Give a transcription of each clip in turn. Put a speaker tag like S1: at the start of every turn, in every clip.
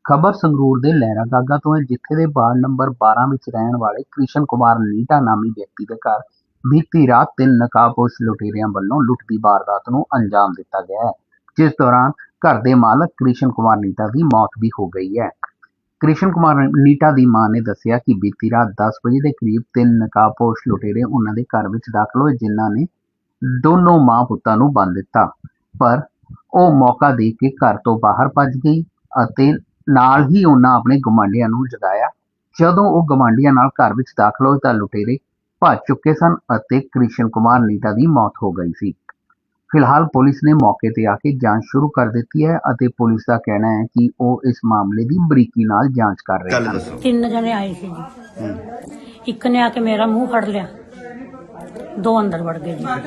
S1: ਖਬਰ ਸੰਗਰੂਰ ਦੇ ਲਹਿਰਾ ਗਾਗਾ ਤੋਂ ਹੈ, ਜਿੱਥੇ ਦੇ ਵਾਰਡ ਨੰਬਰ 12 ਵਿੱਚ ਰਹਿਣ ਵਾਲੇ ਕ੍ਰਿਸ਼ਨ ਕੁਮਾਰ ਨੀਟਾ ਨਾਮੀ ਵਿਅਕਤੀ ਦੇ ਘਰ ਬੀਤੀ ਰਾਤ 3 ਨਕਾਬਪੋਸ਼ ਲੁਟੇਰਿਆਂ ਵੱਲੋਂ ਲੁੱਟ ਦੀ ਵਾਰਦਾਤ ਨੂੰ ਅੰਜਾਮ ਦਿੱਤਾ ਗਿਆ ਹੈ, ਜਿਸ ਦੌਰਾਨ ਘਰ ਦੇ ਮਾਲਕ ਕ੍ਰਿਸ਼ਨ ਕੁਮਾਰ ਨੀਟਾ ਦੀ ਮੌਤ ਵੀ ਹੋ ਗਈ ਹੈ। ਕ੍ਰਿਸ਼ਨ ਕੁਮਾਰ ਨੀਟਾ ਦੀ ਮਾਂ ਨੇ ਦੱਸਿਆ ਕਿ ਬੀਤੀ ਰਾਤ 10 ਵਜੇ ਦੇ ਕਰੀਬ 3 ਨਕਾਬਪੋਸ਼ ਲੁਟੇਰੇ ਉਹਨਾਂ ਦੇ ਘਰ ਵਿੱਚ ਦਾਖਲ ਹੋਏ, ਜਿਨ੍ਹਾਂ ਨੇ ਦੋਨੋਂ ਮਾਂ ਪੁੱਤਾਂ ਨੂੰ ਬੰਨ੍ਹ ਦਿੱਤਾ, ਪਰ ਉਹ ਮੌਕਾ ਦੇਖ ਕੇ ਘਰ ਤੋਂ ਬਾਹਰ ਭੱਜ ਗਈ ਅਤੇ ਨਾਲ ਹੀ ਉਹਨਾਂ ਆਪਣੇ ਗੁਆਂਢੀਆਂ ਨੂੰ ਜਗਾਇਆ। ਜਦੋਂ ਉਹ ਗੁਆਂਢੀਆਂ ਨਾਲ ਘਰ ਵਿੱਚ ਦਾਖਲ ਹੋਏ ਤਾਂ ਲੁਟੇਰੇ ਭੱਜ ਚੁੱਕੇ ਸਨ ਅਤੇ ਕ੍ਰਿਸ਼ਨ ਕੁਮਾਰ ਨੀਟਾ ਦੀ ਮੌਤ ਹੋ ਗਈ ਸੀ। ਫਿਲਹਾਲ ਪੁਲਿਸ ਨੇ ਮੌਕੇ ਤੇ ਆ ਕੇ ਜਾਂਚ ਸ਼ੁਰੂ ਕਰ ਦਿੱਤੀ ਹੈ ਅਤੇ ਪੁਲਿਸ ਦਾ ਕਹਿਣਾ ਹੈ ਕਿ ਉਹ ਇਸ ਮਾਮਲੇ ਦੀ ਬਰੀਕੀ ਨਾਲ ਜਾਂਚ ਕਰ ਰਹੇ ਹਨ।
S2: 3 ਜਣੇ ਆਏ ਸੀ ਜੀ, ਇੱਕ ਨੇ ਆ ਕੇ ਮੇਰਾ ਮੂੰਹ ਫੜ ਲਿਆ, 2 ਅੰਦਰ ਵੜ ਗਏ ਜੀ,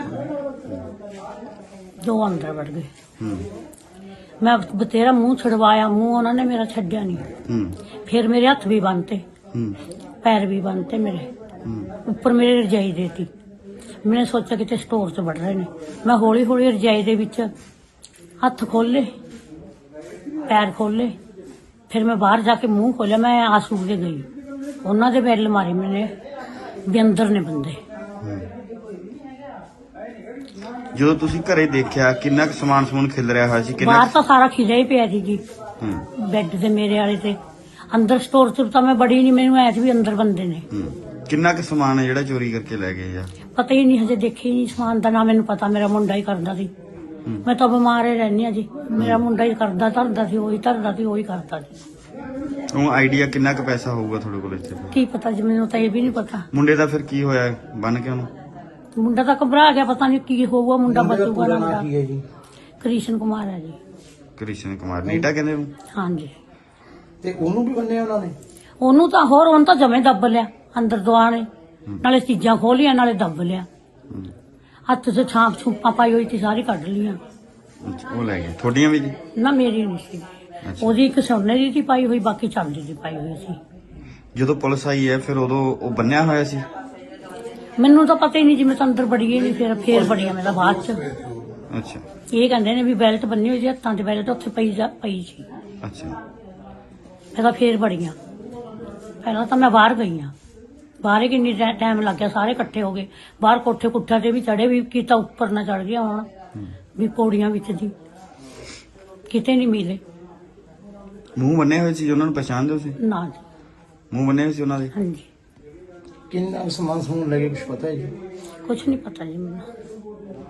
S2: 2 ਅੰਦਰ ਵੜ ਗਏ। ਮੈਂ ਬਤੇਰਾ ਮੂੰਹ ਛੁਡਵਾਇਆ, ਮੂੰਹ ਉਹਨਾਂ ਨੇ ਮੇਰਾ ਛੱਡਿਆ ਨਹੀਂ। ਫਿਰ ਮੇਰੇ ਹੱਥ ਵੀ ਬੰਨਤੇ, ਪੈਰ ਵੀ ਬੰਨਤੇ, ਮੇਰੇ ਉੱਪਰ ਮੇਰੇ ਰਜਾਈ ਦੇਤੀ। मैंने सोचा कि स्टोर च बढ़ रहे ने। मैं हौली हौली रजाई दे विच हथ खोले, पैर खोले, फिर मैं बाहर जाके मुंह खोलिया। मैं आंसू के गई, उन्होंने दे बैल मारे मैंने भी अंदर ने बंदे।
S3: जो तुसी घरे देखिया किन्ना समान समून खिल रहा है सी?
S2: बाहर तो सारा खिलिया ही पिया सी जी, बैड ते मेरे वाले ते। अंदर स्टोर च तो मैं बड़ी नहीं, मैनू ऐ भी अंदर बंदे ने।
S3: किन्ना क समान है जेड़ा चोरी करके ले गए? या
S2: पता ही नहीं, हजे देखे ही नहीं समान दा ना मैनू पता। मेरा मुंडा ही करदा सी, मैं तो बीमार ही रहनी आ जी। मेरा मुंडा ही करदा, धरदा सी, वही धरदा सी, वही करदा सी।
S3: ਉਹ ਆਈਡੀਆ ਕਿੰਨਾ ਕ ਪੈਸਾ ਹੋਊਗਾ ਤੁਹਾਡੇ ਕੋਲ ਇੱਥੇ?
S2: की पता जी, मैनू तो ये भी नहीं पता।
S3: ਮੁੰਡੇ ਦਾ ਫਿਰ ਕੀ ਹੋਇਆ ਬਨ ਕੇ ਉਹਨੂੰ?
S2: मुंडा तो घबरा गया, पता नहीं की होगा। मुंडा बचूगा ना मुंडा? कृष्ण कुमार है जी।
S3: ਕ੍ਰਿਸ਼ਨ ਕੁਮਾਰ ਨੀਟਾ ਕਹਿੰਦੇ ਉਹਨੂੰ?
S2: हाँ जी।
S4: ਤੇ ਉਹਨੂੰ ਵੀ ਬੰਨਿਆ ਉਹਨਾਂ ਨੇ?
S2: ਉਹਨੂੰ ਤਾਂ ਹੋਰ, ਉਹਨੂੰ ਤਾਂ ਜਮੇ ਦੱਬ ਲਿਆ ਅੰਦਰ ਦੁਆ ਨੇ, ਨਾਲੇ ਚੀਜ਼ਾਂ ਖੋਲੀਆਂ ਨਾਲੇ ਦੱਬ ਲਿਆ। ਹੱਥ 'ਚ ਛਾਂਪ ਛੂਪਾਂ ਪਾਈ ਹੋਈ ਸੀ, ਸਾਰੀ ਕੱਢ ਲੀਆਂ।
S3: ਉਹ ਲੈ ਗਏ ਤੁਹਾਡੀਆਂ ਵੀ ਜੀ?
S2: ਨਾ ਮੇਰੀ ਨਹੀਂ ਸੀ, ਉਹਦੀ ਇੱਕ ਸੋਨੇ ਦੀ ਸੀ ਪਾਈ ਹੋਈ, ਬਾਕੀ ਚਾਂਦੀ ਦੀ ਪਾਈ ਹੋਈ ਸੀ।
S3: ਜਦੋਂ ਪੁਲਿਸ ਆਈ ਹੈ ਫਿਰ ਉਦੋਂ ਉਹ ਬੰਨਿਆ ਹੋਇਆ ਸੀ?
S2: ਮੈਨੂੰ ਤਾਂ ਪਤਾ ਹੀ ਨਹੀਂ ਜੀ, ਮੈਂ ਤਾਂ ਅੰਦਰ ਬੜੀ ਹੀ ਨਹੀਂ, ਫੇਰ ਬੜੀਆਂ ਮੈਂ ਤਾਂ ਬਾਅਦ 'ਚ।
S3: ਅੱਛਾ,
S2: ਇਹ ਕਹਿੰਦੇ ਨੇ ਵੀ ਬੈਲਟ ਬੰਨੀ ਹੋਈ ਸੀ ਹੱਥਾਂ 'ਚ, ਬੈਲਟ ਉੱਥੇ ਪਈ ਸੀ।
S3: ਅੱਛਾ,
S2: ਮੈਂ ਤਾਂ ਫੇਰ ਬੜੀਆਂ। ਪਹਿਲਾਂ ਤਾਂ ਮੈਂ ਬਾਹਰ ਗਈ ਹਾਂ, ਬਾਹਰ ਹੀ ਕਿੰਨੀ ਟਾਈਮ ਲੱਗ ਗਿਆ। ਸਾਰੇ ਇਕੱਠੇ ਹੋ ਗਏ ਬਾਹਰ, ਕੋਠੇ ਕੁੱਠਿਆਂ ਤੇ ਵੀ ਚੜੇ, ਵੀ ਕੀਤਾ ਉੱਪਰ ਨਾ ਚੜ ਗਿਆ ਹੁਣ, ਵੀ ਪੌੜੀਆਂ ਵਿੱਚ ਜੀ ਕਿਤੇ ਨਹੀਂ ਮਿਲੇ।
S3: ਮੂੰਹ ਬੰਨੇ ਹੋਏ ਸੀ? ਉਹਨਾਂ ਨੂੰ ਪਛਾਣਦੇ ਹੋ ਸੀ?
S2: ਨਾ ਜੀ।
S3: ਮੂੰਹ ਬੰਨੇ ਹੋਏ ਸੀ ਉਹਨਾਂ ਦੇ?
S2: ਹਾਂਜੀ।
S4: ਕਿੰਨਾ ਸਮਾਨ ਸਮੂਨ ਲੱਗੇ, ਕੁਝ ਪਤਾ ਹੈ ਜੀ?
S2: ਕੁਛ ਨਹੀਂ ਪਤਾ ਜੀ ਮੈਨੂੰ।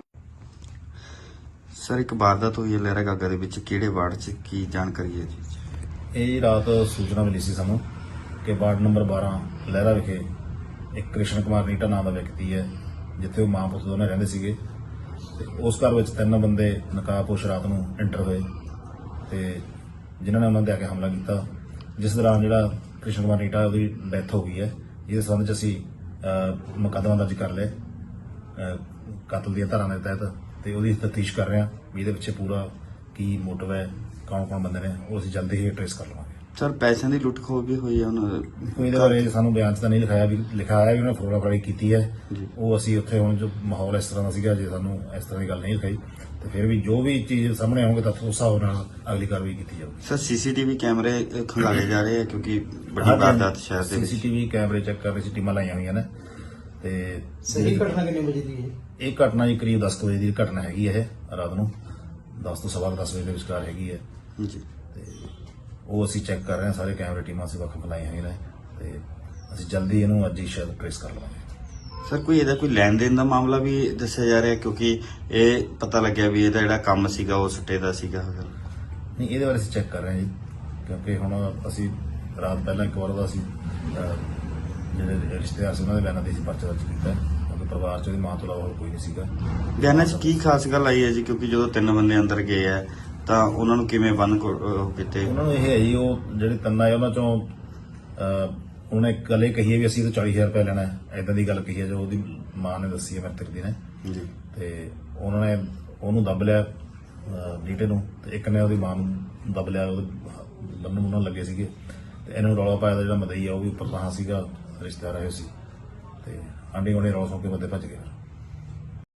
S3: ਸਰ ਇੱਕ ਵਾਰਦਾਤ ਹੋਈ ਹੈ ਲਹਿਰਾ ਗਾਗਾ ਦੇ ਵਿੱਚ, ਕਿਹੜੇ ਵਾਰਡ 'ਚ, ਕੀ ਜਾਣਕਾਰੀ ਹੈ ਜੀ?
S5: ਇਹ ਰਾਤ ਸੂਚਨਾ ਮਿਲੀ ਸੀ ਸਾਨੂੰ ਕਿ ਵਾਰਡ ਨੰਬਰ 12 ਲਹਿਰਾ ਵਿਖੇ ਇੱਕ ਕ੍ਰਿਸ਼ਨ ਕੁਮਾਰ ਨੀਟਾ ਨਾਮ ਦਾ ਵਿਅਕਤੀ ਹੈ, ਜਿੱਥੇ ਉਹ ਮਾਂ ਪੁੱਤ ਦੋਨੇ ਰਹਿੰਦੇ ਸੀਗੇ। ਤੇ ਉਸ ਘਰ ਵਿੱਚ 3 ਬੰਦੇ ਨਕਾਬਪੋਸ਼ ਰਾਤ ਨੂੰ ਐਂਟਰ ਹੋਏ ਤੇ ਜਿਨ੍ਹਾਂ ਨੇ ਉਹਨਾਂ ਤੇ ਆ ਕੇ ਹਮਲਾ ਕੀਤਾ, ਜਿਸ ਦੌਰਾਨ ਜਿਹੜਾ ਕ੍ਰਿਸ਼ਨ ਕੁਮਾਰ ਨੀਟਾ ਉਹਦੀ ਡੈਥ ਹੋ ਗਈ ਹੈ। ਇਸ ਸੰਬੰਧ 'ਚ ਅਸੀਂ ਮੁਕੱਦਮਾ ਦਰਜ ਕਰ ਲਿਆ ਕਤਲ ਦੀਆਂ ਧਾਰਾਵਾਂ ਦੇ ਤਹਿਤ, ਤੇ ਉਹਦੀ ਤਫਤੀਸ਼ ਕਰ ਰਹੇ ਹਾਂ ਵੀ ਇਹਦੇ ਪਿੱਛੇ ਪੂਰਾ ਕੀ ਮੋਟਿਵ ਹੈ, ਕੌਣ ਬੰਦੇ ਨੇ, ਉਹ ਅਸੀਂ ਜਲਦੀ ਹੀ ਟ੍ਰੇਸ ਕਰ ਲਵਾਂਗੇ।
S3: ਸਰ ਪੈਸਿਆਂ ਦੀ ਲੁੱਟ ਖੋਹ ਵੀ ਹੋਈ ਹੈ ਉਹਨਾਂ?
S5: ਕੋਈ ਇਹਦੇ ਬਾਰੇ ਸਾਨੂੰ ਬਿਆਨ 'ਚ ਤਾਂ ਨਹੀਂ ਲਿਖਾਇਆ, ਵੀ ਲਿਖਾਇਆ ਵੀ ਉਹਨੇ ਫੋਟੋਗ੍ਰਾਫੀ ਕੀਤੀ ਹੈ। ਉਹ ਅਸੀਂ ਉੱਥੇ ਹੁਣ ਜੋ ਮਾਹੌਲ ਇਸ ਤਰ੍ਹਾਂ ਦਾ ਸੀਗਾ, ਜੇ ਸਾਨੂੰ ਇਸ ਤਰ੍ਹਾਂ ਦੀ ਗੱਲ ਨਹੀਂ ਲਿਖਾਈ ਤੇ ਫਿਰ ਵੀ ਜੋ ਵੀ ਚੀਜ਼ ਸਾਹਮਣੇ ਆਉਣਗੇ ਤਾਂ ਉਸ ਹਿਸਾਬ ਨਾਲ ਅਗਲੀ ਕਾਰਵਾਈ ਕੀਤੀ ਜਾਊਗੀ।
S3: ਸਰ ਸੀਸੀਟੀਵੀ ਕੈਮਰੇ ਖੰਗਾਲੇ ਜਾ ਰਹੇ ਆ ਕਿਉਂਕਿ ਵੱਡੀ ਵਾਰਦਾਤ ਸ਼ਹਿਰ ਦੇ ਵਿੱਚ।
S5: ਸੀਸੀਟੀਵੀ ਕੈਮਰੇ ਚੈੱਕ ਕਰ ਰਹੇ ਸੀ, ਟੀਮਾਂ ਲਾਈਆਂ ਹੋਈਆਂ ਨੇ। ਤੇ
S4: ਸਹੀ ਘਟਨਾ ਕਿੰਨੇ ਵਜੇ ਦੀ ਹੈ?
S5: ਇਹ ਘਟਨਾ ਜੀ ਕਰੀਬ 10 ਵਜੇ ਦੀ ਘਟਨਾ ਹੈਗੀ ਹੈ। ਇਹ ਰਾਤ ਨੂੰ 10 ਤੋਂ ਸਵਾ 10 ਵਜੇ ਦੇ ਵਿਚਕਾਰ ਹੈਗੀ ਹੈ
S3: ਜੀ।
S5: ਤੇ ਉਹ ਅਸੀਂ ਚੈੱਕ ਕਰ ਰਹੇ ਹਾਂ, ਸਾਰੇ ਕੈਮਰੇ ਟੀਮਾਂ ਅਸੀਂ ਵੱਖ ਲਾਈਆਂ ਹੋਈਆਂ ਨੇ ਤੇ ਅਸੀਂ ਜਲਦੀ ਇਹਨੂੰ ਅੱਜ ਹੀ ਸ਼ਾਇਦ ਟ੍ਰੇਸ ਕਰ ਲਵਾਂਗੇ।
S3: ਸਰ ਕੋਈ ਇਹਦਾ ਕੋਈ ਲੈਣ ਦੇਣ ਦਾ ਮਾਮਲਾ ਵੀ ਦੱਸਿਆ ਜਾ ਰਿਹਾ, ਕਿਉਂਕਿ ਇਹ ਪਤਾ ਲੱਗਿਆ ਵੀ ਇਹਦਾ ਜਿਹੜਾ ਕੰਮ ਸੀਗਾ ਉਹ ਸੁੱਟੇ ਦਾ ਸੀਗਾ?
S5: ਨਹੀਂ, ਇਹਦੇ ਬਾਰੇ ਅਸੀਂ ਚੈੱਕ ਕਰ ਰਹੇ ਹਾਂ ਜੀ, ਕਿਉਂਕਿ ਹੁਣ ਅਸੀਂ ਰਾਤ ਪਹਿਲਾਂ ਇੱਕ ਵਾਰ ਦਾ ਅਸੀਂ ਜਿਹੜੇ ਰਿਸ਼ਤੇਦਾਰ ਸੀ ਉਹਨਾਂ ਦੇ ਬਿਆਨਾਂ ਤੇ ਅਸੀਂ ਪਰਚਾ ਦਰਜ ਕੀਤਾ, ਕਿਉਂਕਿ ਪਰਿਵਾਰ 'ਚ ਉਹਦੀ ਮਾਂ ਤੋਂ ਇਲਾਵਾ ਹੋਰ ਕੋਈ ਨਹੀਂ ਸੀਗਾ।
S3: ਬਿਆਨਾਂ 'ਚ ਕੀ ਖਾਸ ਗੱਲ ਆਈ ਹੈ ਜੀ? ਕਿਉਂਕਿ ਜਦੋਂ 3 ਬੰਦੇ ਅੰਦਰ ਗਏ ਆ ਤਾਂ ਉਹਨਾਂ ਨੂੰ ਕਿਵੇਂ ਬੰਨ ਕੀਤੇ?
S5: ਉਹਨਾਂ ਨੂੰ ਇਹ ਹੈ ਜੀ, ਉਹ ਜਿਹੜੇ 3 ਆਏ ਉਹਨਾਂ 'ਚੋਂ ਉਹਨੇ ਇੱਕ ਗੱਲ ਇਹ ਕਹੀ ਹੈ ਵੀ ਅਸੀਂ ਤਾਂ 40,000 ਰੁਪਏ ਲੈਣਾ ਹੈ, ਏਦਾਂ ਦੀ ਗੱਲ ਕਹੀ ਹੈ ਜੋ ਉਹਦੀ ਮਾਂ ਨੇ ਦੱਸੀ ਹੈ ਮ੍ਰਿਤਕ ਦੀ ਨੇ ਜੀ। ਤੇ ਉਹਨਾਂ ਨੇ ਉਹਨੂੰ ਦੱਬ ਲਿਆ ਨੀਟੇ ਨੂੰ, ਤੇ ਇੱਕ ਨੇ ਉਹਦੀ ਮਾਂ ਨੂੰ ਦੱਬ ਲਿਆ, ਉਹਦੇ ਲੰਮੇ ਮੁੰਨਾਂ ਲੱਗੇ ਸੀਗੇ। ਤੇ ਇਹਨੂੰ ਰੌਲਾ ਪਾਇਆ ਦਾ ਜਿਹੜਾ ਮਦਈ ਆ ਉਹ ਵੀ ਉੱਪਰ ਤਾਂ ਸੀਗਾ, ਰਿਸ਼ਤੇਦਾਰ ਆਏ ਸੀ ਤੇ ਆਂਢੀ ਗੁਆਂਢੀ ਰੌਲਾ ਸੁਣ ਕੇ ਬੰਦੇ ਭੱਜ ਗਏ।